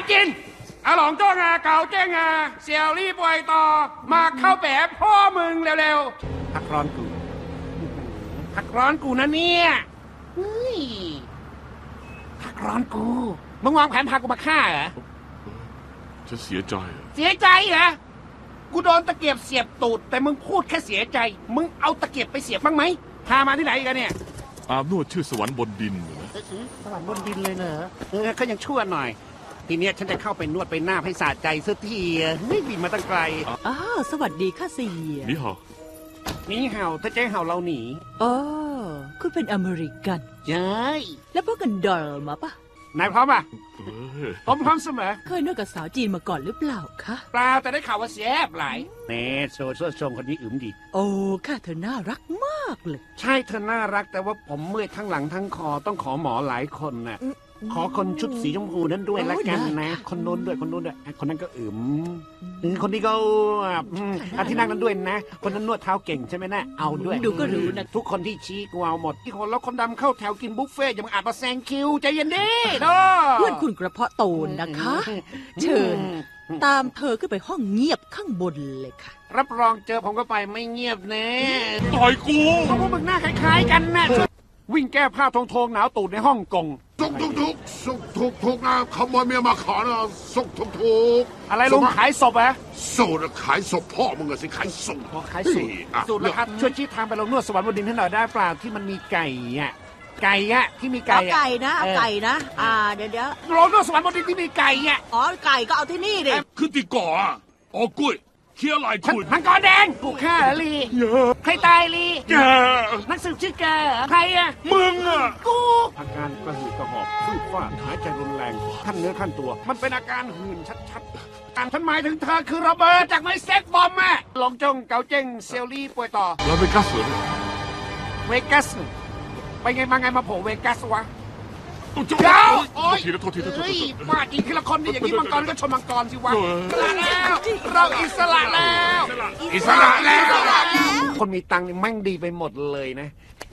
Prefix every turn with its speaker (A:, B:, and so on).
A: จีนอาหลงจ้องเก่าเจ้งเสี่ยวรี่ป่วยต่อมาเข้าแปะพ่อมึงเร็วๆพักร้อนกูพักร้อนกูนะเนี่ยเฮ้ยพักร้อนกูมึงวางแผนพากูมาฆ่าเหรอ
B: ฉันเสียใจ
A: เสียใจเหรอกูโดนตะเกียบเสียบตูดแต่มึงพูดแค่เสียใจมึงเอาตะเกียบไปเสียบบ้างไหมพามาที่ไหนกันเนี่ย
B: อาบนวดชื่อสวรรค์บนดินนะ
A: สวรรค์บนดินเลยเหรอก็ยังชั่วหน่อยทีเนี้ยฉันจะเข้าไปนวดไปหน้าให้สะใจสักทีไม่บินมาตั้งไกล
C: อ้าวสวัสดีค่ะเสีย
B: นี่เหรอ
A: นี่เห่าถ้าเจ๊เห่าเราหนี
C: อ๋อคุณเป็นอเมริกัน
A: เย้ย
C: แล้วพวกกันดอลมาปะ
A: นายพร้อมป่ะ
B: เอ้ย
A: ผมพร้อมเสมอ
C: เคยนวดกับสาวจีนมาก่อนหรือเปล่าคะ
A: เปล่าแต่ได้ข่าวว่าแซ่บหลายเน่โซ่ชมคนนี้อึมดี
C: โอ้ค่ะเธอน่ารักมากเลย
A: ใช่เธอน่ารักแต่ว่าผมเมื่อยทั้งหลังทั้งคอต้องขอหมอหลายคนน่ะขอคนชุดสีชมพูนั้นด้วยละกันนะคนโน้นด้วยคนโน้นด้วยคนนั้นก็อึมคนนี้ก็อันที่นั่งนั้นด้วยนะ คนนั้นนวดเท้าเก่งใช่ไหมนะเอาด้วย
C: ดูก็รู้นะ
A: ทุกคนที่ชี้กูเอาหมดที่คนแล้วคนดำเข้าแถวกินบุฟเฟ่ต์อย่ามาอาจมาแซงคิวใจเย็นดิเนาะ
C: เพื่อนคุณกระเพาะโตนนะคะ เชิญ ตามเธอขึ้นไปห้องเงียบข้างบนเลยค่ะ
A: รับรองเจอผมก็ไปไม่เงียบแน่
B: ต่อยกู
A: เพราะว่ามึงหน้าคล้ายๆกันนะวิ่งแก้ผ้าทงๆหนาวตูดในฮ่องกง
D: ถูกนะขโมยเมียมาขอนะถูก
A: อะไรลุงขายศพอะ
D: สูตรขายศพพ่อมึงอะสิขายสูตร
A: ขายสูตรสูตรแล้วครับช่วยชี้ทางไปลงนวดสวรรค์บนดินให้หน่อยได้เปล่าที่มันมีไก่อะไก่อะที่มีไก่
E: เอาไก่นะเอาไก่นะ เดี๋ยว
A: ลงนวดสวรรค์บนดินที่มีไก่อะ
E: อ๋อไก่ก็เอาที่นี่ดิ
B: ขึ้นตีก่ออ่ะอ๋อกุ้ยเคี้ยวลายคุณ
A: มังกรแดงถูกฆ่าเหรอลีใครตายลี
B: แก
A: นักสืบชื่อแกเหรอใครอะ
B: มึงอ่ะ
A: กูอาการกระหืดกระหอบฟืดฟาดหายใจรุนแรงขั้นเนื้อขั้นตัว มันเป็นอาการหื่นชัดๆการฉันหมายถึงเธอคือระเบิดจากไม้เซ็กบอมอะลงจงเกาเจ้งเซลลี่ป่วยต่อ
B: เราไปกัสเหรอ
A: เวกัสไปไงมาไงมาโผล่เวกัสวะ
B: ตุ๊จุ๊
A: เดี๋ยว
B: โทษทีนะโทษทีนะโทษ
A: เฮ้ย
B: ที
A: มาจริงทีละคนนี่อย่างนี้มังกรก็ชนมังกรสิวะอิสระแล้วเราอิสระแล้ว
D: อิสระแล้ว
A: คนมีตังค์นี่แม่งดีไปหมดเลยนะ